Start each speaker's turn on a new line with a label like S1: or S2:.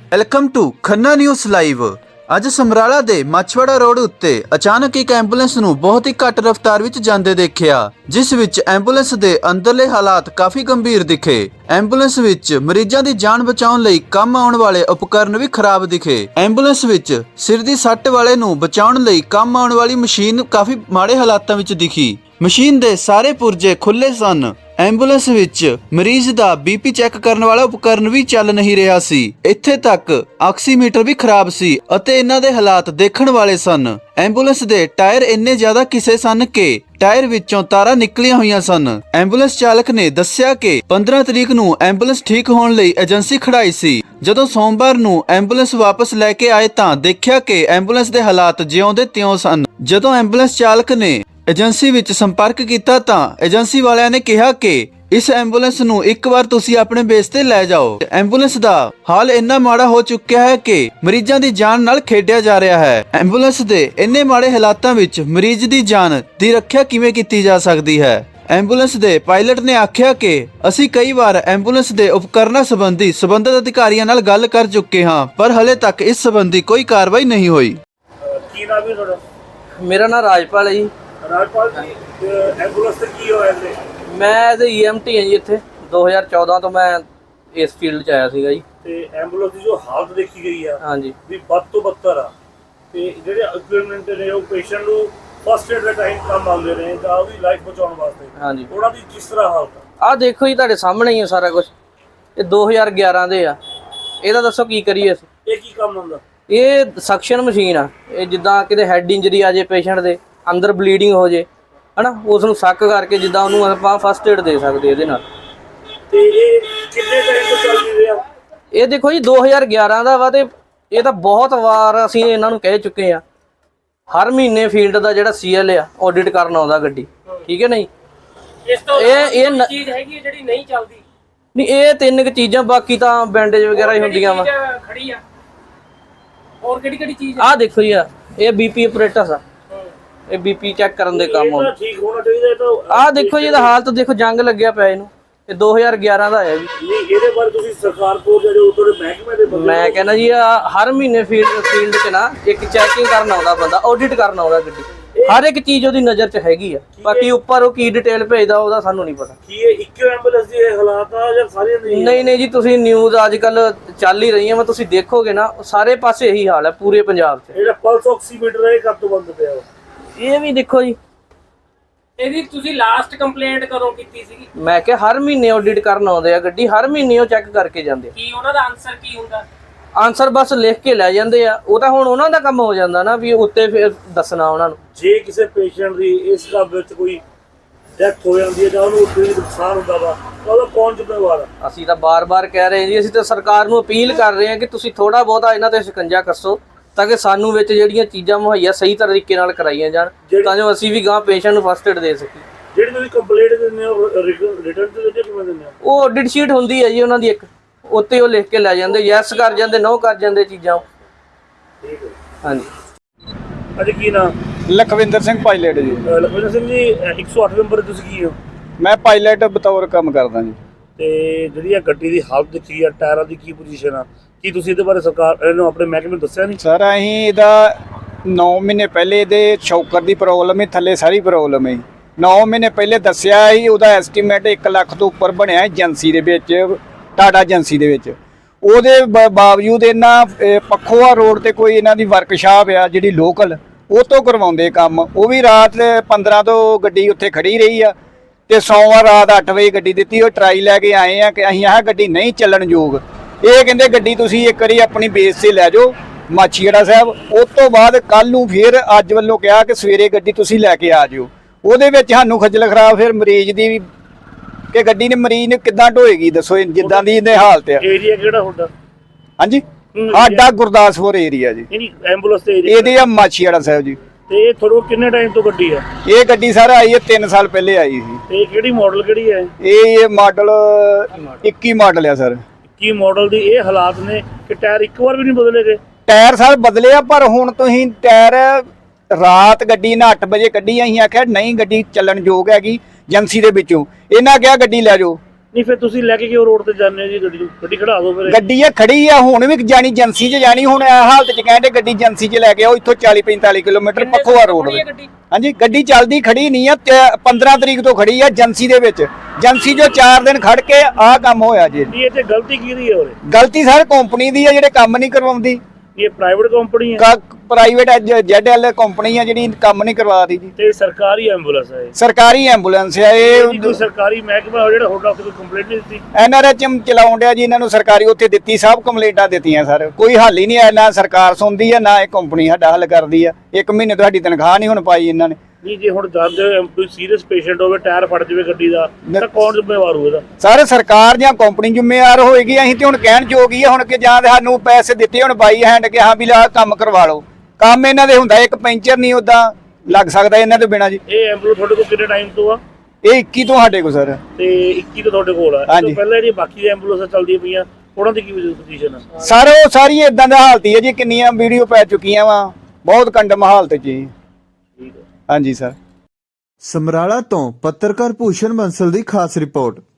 S1: Welcome to Khanna news live. ਅੱਜ ਸਮਰਾਲਾ ਦੇ ਮਾਛਵਾੜਾ road ਉੱਤੇ ਅਚਾਨਕ ਇੱਕ ਐਂਬੂਲੈਂਸ ਨੂੰ ਬਹੁਤ ਹੀ ਘੱਟ ਰਫ਼ਤਾਰ ਵਿੱਚ ਜਾਂਦੇ ਦੇਖਿਆ, ਜਿਸ ਵਿੱਚ ਐਂਬੂਲੈਂਸ ਦੇ ਅੰਦਰਲੇ ਹਾਲਾਤ ਕਾਫੀ ਗੰਭੀਰ ਦਿਖੇ। ਐਂਬੂਲੈਂਸ ਵਿੱਚ ਮਰੀਜ਼ਾਂ ਦੀ ਜਾਨ ਬਚਾਉਣ ਲਈ ਕੰਮ ਆਉਣ ਵਾਲੇ ਉਪਕਰਨ ਵੀ ਖਰਾਬ ਦਿਖੇ। ਐਂਬੂਲੈਂਸ ਵਿੱਚ ਸਿਰ ਦੀ ਸੱਟ ਵਾਲੇ ਨੂੰ ਬਚਾਉਣ ਲਈ ਕੰਮ ਆਉਣ ਵਾਲੀ ਮਸ਼ੀਨ ਕਾਫੀ ਮਾੜੇ ਹਾਲਾਤਾਂ ਵਿੱਚ ਦਿਖੀ। ਮਸ਼ੀਨ ਦੇ ਸਾਰੇ ਪੁਰਜੇ ਖੁੱਲੇ ਸਨ। ਐਂਬੂਲੈਂਸ ਵਿੱਚ ਮਰੀਜ਼ ਦਾ ਬੀਪੀ ਚੈੱਕ ਕਰਨ ਵਾਲਾ ਉਪਕਰਨ ਵੀ ਚੱਲ ਨਹੀਂ ਰਿਹਾ ਸੀ। ਇੱਥੇ ਤੱਕ ਆਕਸੀਮੀਟਰ ਵੀ ਖਰਾਬ ਸੀ ਅਤੇ ਇਹਨਾਂ ਦੇ ਹਾਲਾਤ ਦੇਖਣ ਵਾਲੇ ਸਨ। ਐਂਬੂਲੈਂਸ ਦੇ ਟਾਇਰ ਇੰਨੇ ਜ਼ਿਆਦਾ ਘਿਸੇ ਸਨ ਕਿ ਟਾਇਰ ਵਿੱਚੋਂ ਤਾਰਾਂ ਨਿਕਲੀਆਂ ਹੋਈਆਂ ਸਨ। ਐਂਬੂਲੈਂਸ ਚਾਲਕ ਨੇ ਦੱਸਿਆ ਕਿ 15 ਤਰੀਕ ਨੂੰ ਐਂਬੂਲੈਂਸ ਠੀਕ ਹੋਣ ਲਈ ਏਜੰਸੀ ਖੜਾਈ ਸੀ। ਜਦੋਂ ਸੋਮਵਾਰ ਨੂੰ ਐਂਬੂਲੈਂਸ ਵਾਪਸ ਲੈ ਕੇ ਆਏ ਤਾਂ ਦੇਖਿਆ ਕਿ ਐਂਬੂਲੈਂਸ ਦੇ ਹਾਲਾਤ ਜਿਉਂ ਦੇ ਤਿਉਂ ਸਨ। ਜਦੋਂ ਐਂਬੂਲੈਂਸ ਚਾਲਕ ਨੇ ਏਜੰਸੀ ਵਿੱਚ ਸੰਪਰਕ ਕੀਤਾ ਤਾਂ ਏਜੰਸੀ ਵਾਲਿਆਂ ਨੇ ਕਿਹਾ ਕਿ ਇਸ ਐਂਬੂਲੈਂਸ ਨੂੰ ਇੱਕ ਵਾਰ ਤੁਸੀਂ ਆਪਣੇ ਬੇਸ ਤੇ ਲੈ ਜਾਓ। ਐਂਬੂਲੈਂਸ ਦਾ ਹਾਲ ਇੰਨਾ ਮਾੜਾ ਹੋ ਚੁੱਕਿਆ ਹੈ ਕਿ ਮਰੀਜ਼ਾਂ ਦੀ ਜਾਨ ਨਾਲ ਖੇਡਿਆ ਜਾ ਰਿਹਾ ਹੈ। ਐਂਬੂਲੈਂਸ ਦੇ ਇੰਨੇ ਮਾੜੇ ਹਾਲਾਤਾਂ ਵਿੱਚ ਮਰੀਜ਼ ਦੀ ਜਾਨ ਦੀ ਰੱਖਿਆ ਕਿਵੇਂ ਕੀਤੀ ਜਾ ਸਕਦੀ ਹੈ? ਐਂਬੂਲੈਂਸ ਦੇ ਪਾਇਲਟ ਨੇ ਆਖਿਆ ਕਿ ਅਸੀਂ ਕਈ ਵਾਰ ਐਂਬੂਲੈਂਸ ਦੇ ਉਪਕਰਨਾਂ ਸੰਬੰਧੀ ਸੰਬੰਧਿਤ ਅਧਿਕਾਰੀਆਂ ਨਾਲ ਗੱਲ ਕਰ ਚੁੱਕੇ ਹਾਂ, ਪਰ ਹਲੇ ਤੱਕ ਇਸ ਸੰਬੰਧੀ ਕੋਈ ਕਾਰਵਾਈ ਨਹੀਂ ਹੋਈ।
S2: ਕੀ ਨਾਮ ਹੈ ਤੁਹਾਡਾ?
S3: ਮੇਰਾ ਨਾਮ ਰਾਜਪਾਲ ਹੈ ਜੀ।
S2: ਰਾਜਪਾਲ ਜੀ, ਐਂਬੂਲੈਂਸ ਤੇ ਕੀ ਹੋਇਆ ਇਹਦੇ?
S3: ਮੈਂ ਐਜ਼ EMT ਹਾਂ ਜੀ। ਇੱਥੇ 2014 ਤੋਂ ਮੈਂ ਇਸ ਫੀਲਡ 'ਚ ਆਇਆ ਸੀਗਾ ਜੀ।
S2: ਤੇ ਐਂਬੂਲੈਂਸ ਦੀ ਜੋ ਹਾਲਤ ਦੇਖੀ ਗਈ ਆ
S3: ਹਾਂਜੀ
S2: ਵੀ ਵੱਧ ਤੋਂ ਬੱਤਰ ਆ, ਤੇ ਜਿਹੜੇ ਇਕਵਿਪਮੈਂਟ ਨੇ ਉਹ ਪੇਸ਼ੈਂਟ ਨੂੰ ਫਸਟ ਏਡ ਦੇ ਟਾਈਮ ਕੰਮ ਆਉਂਦੇ ਨੇ ਜਾਂ ਉਹਦੀ ਲਾਈਫ ਬਚਾਉਣ ਵਾਸਤੇ,
S3: ਹਾਂਜੀ।
S2: ਉਹਨਾਂ ਦੀ ਕਿਸ ਤਰ੍ਹਾਂ ਹਾਲਤ ਆ?
S3: ਆਹ ਦੇਖੋ ਜੀ, ਤੁਹਾਡੇ ਸਾਹਮਣੇ ਹੀ ਹੈ ਸਾਰਾ ਕੁਝ। ਇਹ 2011 ਦੇ ਆ। ਇਹਦਾ ਦੱਸੋ ਕੀ ਕਰੀਏ ਅਸੀਂ?
S2: ਇਹ ਕੀ ਕੰਮ ਹੁੰਦਾ?
S3: ਇਹ ਸਕਸ਼ਨ ਮਸ਼ੀਨ ਆ। ਇਹ ਜਿੱਦਾਂ ਕਿਤੇ ਹੈਡ ਇੰਜਰੀ ਆ ਜੇ ਪੇਸ਼ੈਂਟ ਦੇ, ਅੰਦਰ ਬਲੀਡਿੰਗ ਹੋ ਜੇ, ਹਨਾ, ਉਸ ਨੂੰ ਸੱਕ ਕਰਕੇ ਜਿੱਦਾਂ ਉਹਨੂੰ ਆਪਾਂ ਫਸਟ ਏਡ ਦੇ ਸਕਦੇ ਇਹਦੇ ਨਾਲ।
S2: ਤੇ ਇਹ ਕਿੰਨੇ ਟਾਈਮ ਤੋਂ ਚੱਲ ਰਿਹਾ?
S3: ਇਹ ਦੇਖੋ ਜੀ 2011 ਦਾ ਵਾ, ਤੇ ਇਹ ਤਾਂ ਬਹੁਤ ਵਾਰ ਅਸੀਂ ਇਹਨਾਂ ਨੂੰ ਕਹਿ ਚੁੱਕੇ ਆ। ਹਰ ਮਹੀਨੇ ਫੀਲਡ ਦਾ ਜਿਹੜਾ CL ਆ ਆਡਿਟ ਕਰਨ ਆਉਂਦਾ ਗੱਡੀ, ਠੀਕ ਹੈ ਨਹੀਂ?
S4: ਇਸ ਤੋਂ
S3: ਇਹ
S4: ਚੀਜ਼ ਹੈਗੀ ਹੈ ਜਿਹੜੀ ਨਹੀਂ ਚੱਲਦੀ?
S3: ਨਹੀਂ, ਇਹ ਤਿੰਨ ਕੁ ਚੀਜ਼ਾਂ, ਬਾਕੀ ਤਾਂ ਬੈਂਡੇਜ ਵਗੈਰਾ ਹੀ ਹੁੰਦੀਆਂ ਵਾ।
S4: ਖੜੀ ਆ ਹੋਰ ਕਿਹੜੀ ਚੀਜ਼?
S3: ਆਹ ਦੇਖੋ ਜੀ, ਇਹ BP ਆਪਰੇਟਸ ਆ। ਇਹ BP ਚੈੱਕ ਕਰਨ ਦੇ ਕੰਮ ਆਉਂਦਾ।
S2: ਠੀਕ ਹੋਣਾ ਚਾਹੀਦਾ ਇਹ ਤਾਂ।
S3: ਆਹ ਦੇਖੋ ਜੀ, ਇਹਦਾ ਹਾਲਤ ਦੇਖੋ, ਜੰਗ ਲੱਗਿਆ ਪਿਆ ਇਹਨੂੰ। ਇਹ 2011 ਦਾ ਆਇਆ ਜੀ।
S2: ਨਹੀਂ, ਇਹਦੇ ਬਾਰੇ ਤੁਸੀਂ ਸਰਕਾਰ ਕੋਲ ਜਿਹੜੇ ਉਤੋਂ ਦੇ ਮਹਿਕਮੇ ਦੇ ਬੰਦੇ,
S3: ਮੈਂ ਕਹਿੰਦਾ ਜੀ, ਹਰ ਮਹੀਨੇ ਫੀਲਡ 'ਚ ਨਾ ਇੱਕ ਚੈਕਿੰਗ ਕਰਨ ਆਉਂਦਾ ਬੰਦਾ, ਆਡਿਟ ਕਰਨ ਆਉਂਦਾ ਗੱਡੀ। ਹਰ ਇੱਕ ਚੀਜ਼ ਉਹਦੀ ਨਜ਼ਰ 'ਚ ਹੈਗੀ ਆ। ਬਾਕੀ ਉੱਪਰ ਉਹ ਕੀ ਡਿਟੇਲ ਭੇਜਦਾ ਉਹਦਾ ਸਾਨੂੰ ਨਹੀਂ ਪਤਾ।
S2: ਕੀ ਇਹ ਇੱਕੋ ਐਂਬੂਲੈਂਸ ਦੀ ਇਹ ਹਾਲਾਤ ਆ ਜਾਂ ਸਾਰੀਆਂ ਦੀ?
S3: ਨਹੀਂ ਜੀ, ਤੁਸੀਂ ਨਿਊਜ਼ ਅੱਜ ਕੱਲ ਚੱਲ ਹੀ ਰਹੀਆਂ ਵਾ, ਤੁਸੀਂ ਦੇਖੋਗੇ ਨਾ, ਸਾਰੇ ਪਾਸੇ ਇਹੀ ਹਾਲ ਹੈ ਪੂਰੇ ਪੰਜਾਬ 'ਚ।
S2: ਜਿਹੜਾ ਪਲਸ ਆਕਸੀਮੀਟਰ ਹੈ ਇਹ ਕਦ ਤੋਂ ਬੰਦ ਪਿਆ ਵਾ?
S3: ਇਹ ਵੀ ਦੇਖੋ ਜੀ।
S4: ਇਹਦੀ ਤੁਸੀਂ ਲਾਸਟ ਕੰਪਲੇਂਟ ਕਦੋਂ ਕੀਤੀ ਸੀਗੀ?
S3: ਮੈਂ ਕਿਹਾ ਹਰ ਮਹੀਨੇ ਆਡਿਟ ਕਰਨ ਆਉਂਦੇ ਆ ਗੱਡੀ, ਹਰ ਮਹੀਨੇ ਉਹ ਚੈੱਕ ਕਰਕੇ ਜਾਂਦੇ ਆ।
S4: ਕੀ ਉਹਨਾਂ ਦਾ ਆਨਸਰ ਕੀ ਹੁੰਦਾ?
S3: ਆਨਸਰ ਬਸ ਲਿਖ ਕੇ ਲੈ ਜਾਂਦੇ ਆ। ਉਹ ਤਾਂ ਹੁਣ ਉਹਨਾਂ ਦਾ ਕੰਮ ਹੋ ਜਾਂਦਾ ਨਾ ਵੀ ਉੱਤੇ ਫਿਰ ਦੱਸਣਾ ਉਹਨਾਂ ਨੂੰ।
S2: ਜੇ ਕਿਸੇ ਪੇਸ਼ੈਂਟ ਦੀ ਇਸ ਕੰਮ ਵਿੱਚ ਕੋਈ ਡੈਥ ਹੋ ਜਾਂਦੀ ਹੈ ਜਾਂ ਉਹਨੂੰ ਕੋਈ ਨੁਕਸਾਨ ਹੁੰਦਾ ਵਾ ਤਾਂ ਉਹਦਾ ਕੌਣ ਜ਼ਿੰਮੇਵਾਰ ਆ?
S3: ਅਸੀਂ ਤਾਂ ਬਾਰ-ਬਾਰ ਕਹਿ ਰਹੇ ਜੀ, ਅਸੀਂ ਤਾਂ ਸਰਕਾਰ ਨੂੰ ਅਪੀਲ ਕਰ ਰਹੇ ਹਾਂ ਕਿ ਤੁਸੀਂ ਥੋੜਾ ਬਹੁਤਾ ਇਹਨਾਂ ਤੇ ਸ਼ਿਕੰਜਾ ਕੱਸੋ, ਤਾਂ ਕਿ ਸਾਨੂੰ ਵਿੱਚ ਜਿਹੜੀਆਂ ਚੀਜ਼ਾਂ ਮੁਹੱਈਆ ਸਹੀ ਤਰੀਕੇ ਨਾਲ ਕਰਾਈਆਂ ਜਾਣ, ਤਾਂ ਜੋ ਅਸੀਂ ਵੀ ਗਾਂ ਪੇਸ਼ੈਂਟ ਨੂੰ ਫਸਟ ਏਡ ਦੇ ਸਕੀਏ।
S2: ਜਿਹੜੀ ਤੁਸੀਂ ਕੰਪਲੇਂਟ ਦਿੰਦੇ ਹੋ ਰਿਟਰਨ ਤੇ ਦਿੰਦੇ ਕਿਵੇਂ ਦਿੰਦੇ ਹੋ?
S3: ਉਹ ਆਡਿਟ ਸ਼ੀਟ ਹੁੰਦੀ ਹੈ ਜੀ ਉਹਨਾਂ ਦੀ ਇੱਕ, ਉੱਤੇ ਉਹ ਲਿਖ ਕੇ ਲੈ ਜਾਂਦੇ, ਯੈਸ ਕਰ ਜਾਂਦੇ, ਨੋ ਕਰ ਜਾਂਦੇ ਚੀਜ਼ਾਂ।
S2: ਠੀਕ ਹੈ।
S3: ਹਾਂਜੀ।
S2: ਅੱਜ ਕੀ ਨਾਮ?
S5: ਲਖਵਿੰਦਰ ਸਿੰਘ ਪਾਇਲਟ ਜੀ।
S2: ਲਖਵਿੰਦਰ ਸਿੰਘ ਜੀ, 108 ਨੰਬਰ ਤੁਸੀਂ ਕੀ ਹੋ?
S5: ਮੈਂ ਪਾਇਲਟ ਬਤੌਰ ਕੰਮ ਕਰਦਾ ਜੀ।
S2: ਤੇ ਜਿਹੜੀ ਇਹ ਗੱਡੀ ਦੀ ਹਾਲਤ ਦੇਖੀ ਆ, ਟਾਇਰਾਂ ਦੀ ਕੀ ਪੋਜੀਸ਼ਨ ਆ, ਕੀ ਤੁਸੀਂ ਇਹਦੇ ਬਾਰੇ ਸਰਕਾਰ ਇਹਨੂੰ ਆਪਣੇ ਮਹਿਕਮੇ ਨੂੰ ਦੱਸਿਆ ਨਹੀਂ?
S5: ਸਰ ਅਸੀਂ ਇਹਦਾ 9 ਮਹੀਨੇ ਪਹਿਲੇ ਇਹਦੇ ਸ਼ੌਕਰ ਦੀ ਪ੍ਰੋਬਲਮ ਹੈ, ਥੱਲੇ ਸਾਰੀ ਪ੍ਰੋਬਲਮ ਹੈ। 9 ਮਹੀਨੇ ਪਹਿਲੇ ਦੱਸਿਆ ਸੀ, ਉਹਦਾ ਐਸਟੀਮੇਟ 1 ਲੱਖ ਤੋਂ ਉੱਪਰ ਬਣਿਆ ਏਜੰਸੀ ਦੇ ਵਿੱਚ, ਟਾਟਾ ਏਜੰਸੀ ਦੇ ਵਿੱਚ। ਉਹਦੇ ਬਾਵਜੂਦ ਇਹਨਾਂ ਪੱਖੋਆ ਰੋਡ ਤੇ ਕੋਈ ਇਹਨਾਂ ਦੀ ਵਰਕਸ਼ਾਪ ਆ ਜਿਹੜੀ ਲੋਕਲ, ਉਹ ਤੋਂ ਕਰਵਾਉਂਦੇ ਕੰਮ। ਉਹ ਵੀ ਰਾਤ 15 ਤੋਂ ਗੱਡੀ ਉੱਥੇ ਖੜੀ ਰਹੀ ਆ, ਤੇ ਸੋਮਵਾਰ ਰਾਤ 8 ਵਜੇ ਗੱਡੀ ਦਿੱਤੀ। ਉਹ ਟਰਾਈ ਲੈ ਕੇ ਆਏ ਆ ਕਿ ਅਸੀਂ ਆਹ ਗੱਡੀ ਨਹੀਂ ਚੱਲਣ ਯੋਗ। ਇਹ ਕਹਿੰਦੇ ਗੱਡੀ ਤੁਸੀਂ ਇੱਕ ਵਾਰੀ ਆਪਣੀ ਬੇਸ ਤੇ ਲੈ ਜਾਓ ਮਾਛੀਵਾੜਾ ਸਾਹਿਬ। ਉਸ ਤੋਂ ਬਾਅਦ ਕੱਲ ਨੂੰ ਫਿਰ ਅੱਜ ਵੱਲੋਂ ਕਿਹਾ ਕਿ ਸਵੇਰੇ ਗੱਡੀ ਤੁਸੀਂ ਲੈ ਕੇ ਆ ਜਿਓ। ਉਹਦੇ ਵਿੱਚ ਸਾਨੂੰ ਖੱਜਲ ਖਰਾਬ ਫਿਰ ਮਰੀਜ਼ ਦੀ ਵੀ, ਕਿ ਗੱਡੀ ਨੇ ਮਰੀਜ਼ ਨੇ ਕਿੱਦਾਂ ਢੋਏਗੀ ਦੱਸੋ, ਜਿੱਦਾਂ ਦੀ ਇਹਦੇ ਹਾਲਤ ਆ।
S2: ਏਰੀਆ ਕਿਹੜਾ ਹੁੰਦਾ?
S5: ਹਾਂਜੀ, ਸਾਡਾ ਗੁਰਦਾਸਪੁਰ ਏਰੀਆ ਜੀ।
S2: ਨਹੀਂ, ਐਂਬੂਲੈਂਸ ਤੇ ਏਰੀਆ
S5: ਇਹਦੇ ਆ ਮਾਛੀਵਾੜਾ ਸਾਹਿਬ ਜੀ।
S2: ਤੇ ਇਹ ਤੁਹਾਡੇ ਕੋਲ ਕਿੰਨੇ ਟਾਈਮ ਤੋਂ ਗੱਡੀ ਆ?
S5: ਇਹ ਗੱਡੀ ਸਰ ਆਈ ਹੈ 3 ਸਾਲ ਪਹਿਲੇ ਆਈ ਸੀ।
S2: ਤੇ ਕਿਹੜੀ ਮਾਡਲ ਕਿਹੜੀ ਹੈ?
S5: ਇਹ ਮਾਡਲ 21 ਮਾਡਲ ਆ ਸਰ।
S2: ਕੀ ਮਾਡਲ ਦੀ ਇਹ ਹਾਲਾਤ ਨੇ ਕਿ ਟਾਇਰ ਇੱਕ ਵਾਰ ਵੀ ਨਹੀਂ ਬਦਲੇ ਗਏ?
S5: ਟਾਇਰ ਸਰ ਬਦਲੇ ਆ, ਪਰ ਹੁਣ ਤੁਸੀਂ ਟਾਇਰ ਰਾਤ ਗੱਡੀ ਨਾ 8 ਵਜੇ ਕੱਢੀ, ਅਸੀਂ ਆਖਿਆ ਨਹੀਂ ਗੱਡੀ ਚੱਲਣ ਯੋਗ ਹੈਗੀ ਏਜੰਸੀ ਦੇ ਵਿੱਚੋਂ। ਇਹਨਾਂ ਕਿਹਾ ਗੱਡੀ ਲੈ ਜਾਓ,
S2: ਨਹੀਂ ਫਿਰ ਤੁਸੀਂ ਲੈ ਕੇ ਕਿਉਂ ਰੋਡ ਤੇ ਜਾਂਦੇ ਹੋ ਜੀ ਗੱਡੀ ਨੂੰ? ਗੱਡੀ ਖੜਾ ਦਿਓ ਫਿਰ।
S5: ਗੱਡੀ ਆ ਖੜੀ ਆ, ਹੁਣ ਵੀ ਜਾਣੀ ਏਜੰਸੀ 'ਚ ਜਾਣੀ, ਹੁਣ ਇਹ ਹਾਲਤ 'ਚ ਕਹਿੰਦੇ ਗੱਡੀ ਏਜੰਸੀ 'ਚ ਲੈ ਕੇ ਆਓ, ਇੱਥੋਂ 40-45 ਕਿਲੋਮੀਟਰ ਪੱਖੋਆ ਰੋਡ
S4: ਖੜੀ ਹੈ
S5: ਤੇ।
S4: ਗੱਡੀ?
S5: ਹਾਂਜੀ, ਗੱਡੀ ਚੱਲਦੀ ਖੜੀ ਨਹੀਂ ਆ, 15 ਤਰੀਕ ਤੋਂ ਖੜੀ ਆ ਏਜੰਸੀ ਦੇ ਵਿੱਚ। ਏਜੰਸੀ 'ਚੋਂ 4 ਦਿਨ ਖੜ ਕੇ ਆਹ ਕੰਮ ਹੋਇਆ ਜੀ।
S2: ਨਹੀਂ ਇਹ ਤੇ ਗਲਤੀ ਕਿਹਦੀ ਹੈ ਉਰੇ?
S5: ਗਲਤੀ ਸਰ ਕੰਪਨੀ ਦੀ ਆ, ਜਿਹੜੇ ਕੰਮ ਨਹੀਂ ਕਰਵਾਉਂਦੀ।
S2: ਇਹ ਪ੍ਰਾਈਵੇਟ ਕੰਪਨੀ ਹੈ
S5: ਪ੍ਰਾਈਵੇਟ ZL ਕੰਪਨੀ ਆ ਜਿਹੜੀ ਕੰਮ ਨਹੀਂ ਕਰਵਾਦੀ ਜੀ।
S2: ਤੇ ਸਰਕਾਰੀ ਐਂਬੂਲੈਂਸ ਹੈ ਇਹ?
S5: ਸਰਕਾਰੀ ਐਂਬੂਲੈਂਸ ਆ
S2: ਇਹਦੀ
S5: ਇਹ।
S2: ਕੋਈ ਸਰਕਾਰੀ ਮਹਿਕਮਾ ਜਿਹੜਾ ਤੁਹਾਡਾ ਉੱਥੇ ਕੋਈ ਕੰਪਲੇਂਟ ਨਹੀਂ ਦਿੱਤੀ?
S5: NRHM ਚਲਾਉਣ ਡਿਆ ਜੀ, ਇਹਨਾਂ ਨੂੰ ਸਰਕਾਰੀ ਉੱਥੇ ਦਿੱਤੀ, ਸਭ ਕੰਪਲੇਂਟਾਂ ਦਿੱਤੀਆਂ ਸਰ, ਕੋਈ ਹੱਲ ਹੀ ਨਹੀਂ ਆਇਆ। ਨਾ ਸਰਕਾਰ ਸੁਣਦੀ ਆ, ਨਾ ਇਹ ਕੰਪਨੀ ਸਾਡਾ ਹੱਲ ਕਰਦੀ ਆ। 1 ਮਹੀਨੇ ਤੋਂ ਸਾਡੀ ਤਨਖਾਹ ਨਹੀਂ ਹੁਣ ਪਾਈ ਇਹਨਾਂ ਨੇ।
S2: ਨਹੀਂ ਜੇ ਹੁਣ ਜਾਂਦੇ ਹੋ ਕੋਈ ਸੀਰੀਅਸ ਪੇਸ਼ੈਂਟ ਹੋਵੇ, ਟਾਇਰ ਫਟ ਜਾਵੇ ਗੱਡੀ ਦਾ, ਤਾਂ ਕੌਣ ਜ਼ਿੰਮੇਵਾਰ ਹੋਊ ਇਹਦਾ?
S5: ਸਾਰੇ ਸਰਕਾਰ ਜਾਂ ਕੰਪਨੀ ਜ਼ਿੰਮੇਵਾਰ ਹੋਏਗੀ। ਅਸੀਂ ਤੇ ਹੁਣ ਕਹਿਣ ਯੋਗ ਹੀ ਆ ਹੁਣ ਕਿ ਜਾਂ ਤੇ ਸਾਨੂੰ ਪੈਸੇ ਦਿੱਤੇ ਹੁਣ ਬਾਈ ਹੈਂਡ ਕਿ ਹਾਂ ਵੀ ਲਾ ਕੰਮ ਕਰਵਾ ਲਓ। ਕੰਮ ਇਹਨਾਂ ਦੇ ਹੁੰਦਾ, ਇੱਕ ਪੈਂਚਰ ਨਹੀਂ ਉਦਾਂ ਲੱਗ ਸਕਦਾ ਇਹਨਾਂ ਤੋਂ ਬਿਨਾਂ ਜੀ।
S2: ਇਹ ਐਂਬੂਲੈਂਸ ਤੁਹਾਡੇ ਕੋਲ ਕਿੰਨੇ ਟਾਈਮ ਤੋਂ ਆ?
S5: ਇਹ 21 ਤੋਂ ਸਾਡੇ ਕੋਲ ਸਰ।
S2: ਤੇ 21 ਤੋਂ ਤੁਹਾਡੇ ਕੋਲ ਆ? ਇਸ ਤੋਂ ਪਹਿਲਾਂ ਜਿਹੜੀਆਂ ਬਾਕੀ ਐਂਬੂਲੈਂਸਾਂ ਚੱਲਦੀਆਂ ਪਈਆਂ ਉਹਨਾਂ ਦੀ ਕੀ ਪੋਜੀਸ਼ਨ ਆ?
S5: ਸਰ ਉਹ ਸਾਰੀ ਇਦਾਂ ਦਾ ਹਾਲਤ ਹੀ ਹੈ ਜੀ, ਕਿੰਨੀਆਂ ਵੀਡੀਓ ਪੈ ਚੁੱਕੀਆਂ ਵਾ, ਬਹੁਤ ਕੰਡਮ ਹਾਲਤ ਜੀ।
S2: ਠੀਕ ਹੈ।
S5: ਹਾਂਜੀ ਸਰ।
S1: ਸਮਰਾਲਾ ਤੋਂ ਪੱਤਰਕਾਰ ਭੂਸ਼ਣ ਬੰਸਲ ਦੀ ਖਾਸ ਰਿਪੋਰਟ।